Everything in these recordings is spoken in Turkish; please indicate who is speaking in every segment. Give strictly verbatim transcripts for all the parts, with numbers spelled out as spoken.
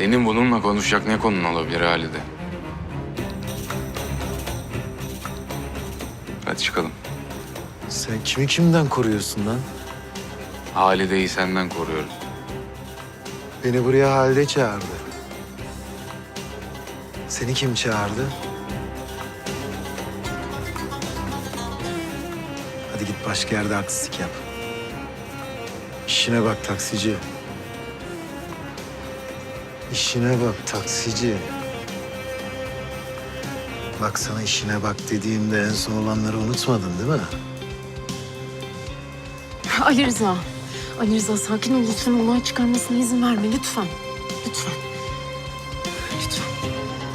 Speaker 1: Senin bununla konuşacak ne konun olabilir Halide? Hadi çıkalım.
Speaker 2: Sen kimi kimden koruyorsun lan?
Speaker 1: Halide'yi senden koruyorum.
Speaker 2: Beni buraya Halide çağırdı. Seni kim çağırdı? Hadi git başka yerde artistlik yap. İşine bak taksici. İşine bak taksici. Bak sana işine bak dediğimde en son olanları unutmadın değil mi?
Speaker 3: Ali Rıza. Ali Rıza sakin ol lütfen. Olay çıkarmasına izin verme lütfen. Lütfen. Lütfen.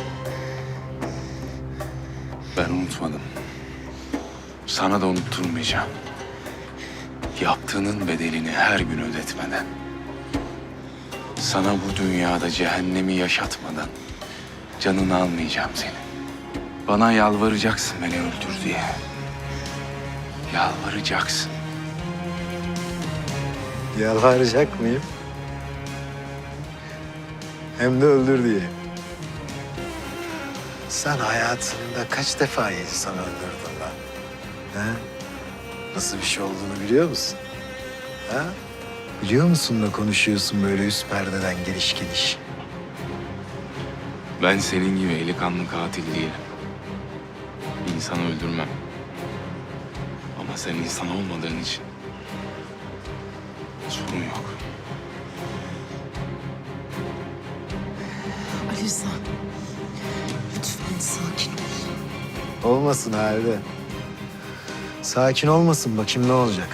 Speaker 1: Ben unutmadım. Sana da unutturmayacağım. Yaptığının bedelini her gün ödetmeden, sana bu dünyada cehennemi yaşatmadan canını almayacağım seni. Bana yalvaracaksın beni öldür diye. Yalvaracaksın.
Speaker 2: Yalvaracak mıyım? Hem de öldür diye. Sen hayatında kaç defa insan öldürdün lan? Ha? Nasıl bir şey olduğunu biliyor musun? Ha? Biliyor musun da konuşuyorsun böyle üst perdeden geliş geliş?
Speaker 1: Ben senin gibi eli kanlı katil değilim. İnsanı öldürmem. Ama sen insan olmadığın için sorun yok.
Speaker 3: Ali Rıza. Lütfen sakin ol.
Speaker 2: Olmasın Halide. Sakin olmasın bakayım ne olacak?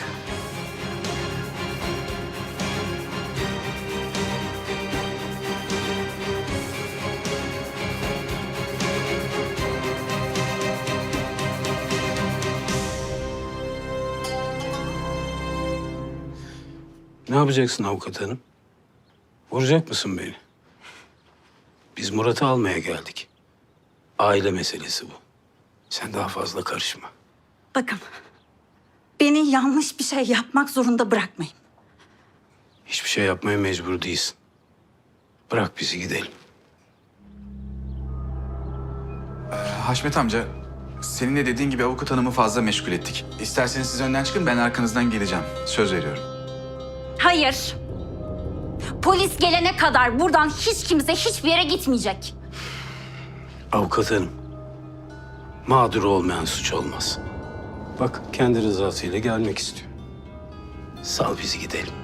Speaker 4: Ne yapacaksın avukat hanım? Vuracak mısın beni? Biz Murat'ı almaya geldik. Aile meselesi bu. Sen daha fazla karışma.
Speaker 5: Bakın, beni yanlış bir şey yapmak zorunda bırakmayın.
Speaker 4: Hiçbir şey yapmaya mecbur değilsin. Bırak bizi gidelim.
Speaker 6: Haşmet amca, senin de dediğin gibi avukat hanımı fazla meşgul ettik. İsterseniz siz önden çıkın, ben arkanızdan geleceğim. Söz veriyorum.
Speaker 5: Hayır. Polis gelene kadar buradan hiç kimse hiçbir yere gitmeyecek.
Speaker 4: Avukat hanım. Mağdur olmayan suç olmaz. Bak kendi rızasıyla gelmek istiyor. Sal bizi gidelim.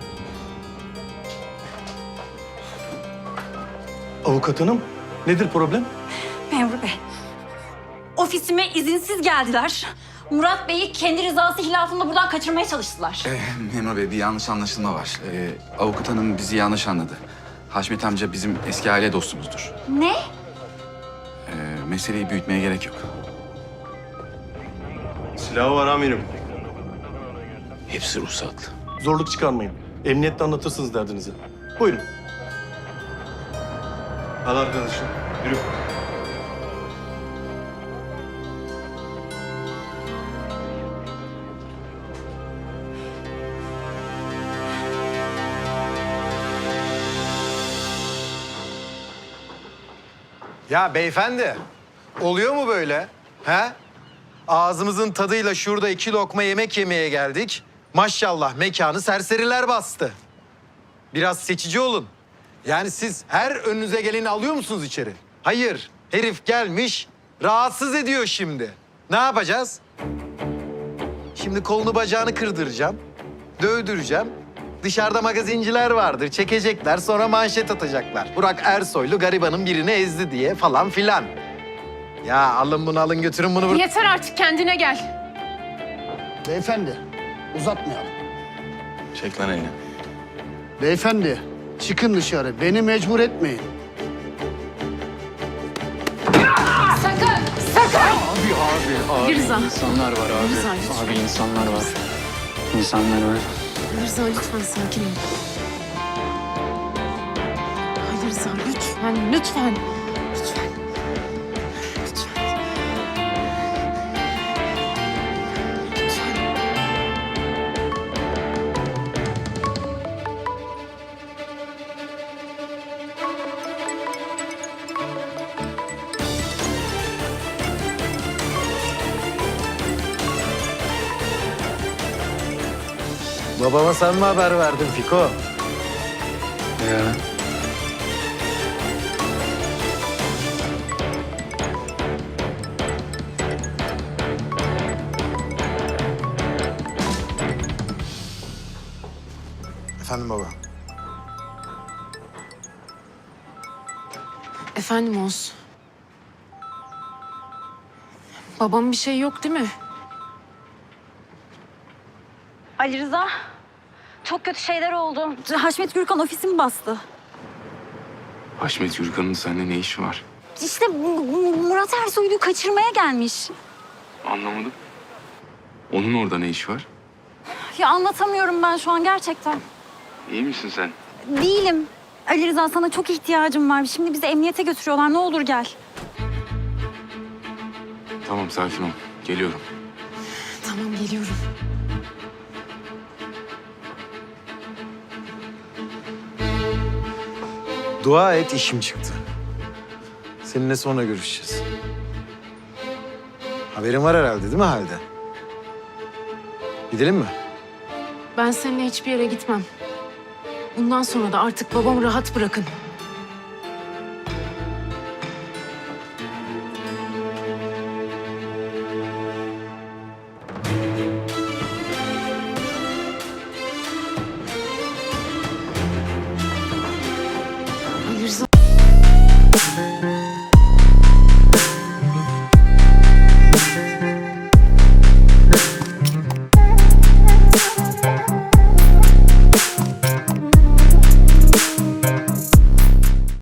Speaker 7: Avukat hanım, nedir problem?
Speaker 5: Memur Bey, ofisime izinsiz geldiler. Murat Bey'i kendi rızası hilafında buradan kaçırmaya çalıştılar.
Speaker 6: Ee, Memur Bey, bir yanlış anlaşılma var. Ee, avukat hanım bizi yanlış anladı. Haşmet amca bizim eski aile dostumuzdur.
Speaker 5: Ne?
Speaker 6: Ee, meseleyi büyütmeye gerek yok.
Speaker 7: Silahı var amirim.
Speaker 4: Hepsi ruhsatlı.
Speaker 7: Zorluk çıkarmayın. Emniyette anlatırsınız derdinizi. Buyurun. Al arkadaşım, yürü.
Speaker 2: Ya beyefendi, oluyor mu böyle? He? Ağzımızın tadıyla şurada iki lokma yemek yemeye geldik. Maşallah mekanı serseriler bastı. Biraz seçici olun. Yani siz her önünüze geleni alıyor musunuz içeri? Hayır, herif gelmiş, rahatsız ediyor şimdi. Ne yapacağız? Şimdi kolunu bacağını kırdıracağım, dövdüreceğim. Dışarıda magazinciler vardır, çekecekler, sonra manşet atacaklar. Burak Ersoylu garibanın birini ezdi diye falan filan. Ya alın bunu alın götürün bunu. bur-
Speaker 3: Yeter artık kendine gel.
Speaker 8: Beyefendi, uzatmayalım.
Speaker 1: Çek lan elini.
Speaker 8: Beyefendi, çıkın dışarı. Beni mecbur etmeyin.
Speaker 3: Sakın! Sakın!
Speaker 9: Abi abi abi
Speaker 3: Rıza.
Speaker 9: insanlar var abi.
Speaker 3: Rıza, lütfen.
Speaker 9: Abi insanlar var. İnsanlar var.
Speaker 3: Ali Rıza lütfen sakin ol. Ali Rıza lütfen, lütfen. Lütfen. Lütfen. Lütfen.
Speaker 2: Babama sen mi haber verdin Fiko?
Speaker 9: Ya.
Speaker 2: Efendim baba.
Speaker 3: Efendim Oğuz. Babam bir şey yok değil mi?
Speaker 5: Ali Rıza, çok kötü şeyler oldu. Haşmet Gürkan ofisimi bastı.
Speaker 1: Haşmet Gürkan'ın seninle ne işi var?
Speaker 5: İşte bu- bu Murat Ersoy'u kaçırmaya gelmiş.
Speaker 1: Anlamadım. Onun orada ne işi var?
Speaker 5: Ya anlatamıyorum ben şu an gerçekten.
Speaker 1: İyi misin sen?
Speaker 5: Değilim. Ali Rıza sana çok ihtiyacım var. Şimdi bizi emniyete götürüyorlar. Ne olur gel.
Speaker 1: Tamam sakin ol. Geliyorum.
Speaker 3: Tamam geliyorum.
Speaker 2: Dua et işim çıktı. Seninle sonra görüşeceğiz. Haberin var herhalde değil mi halde? Gidelim mi?
Speaker 3: Ben seninle hiçbir yere gitmem. Bundan sonra da artık babamı rahat bırakın. Ali Rıza...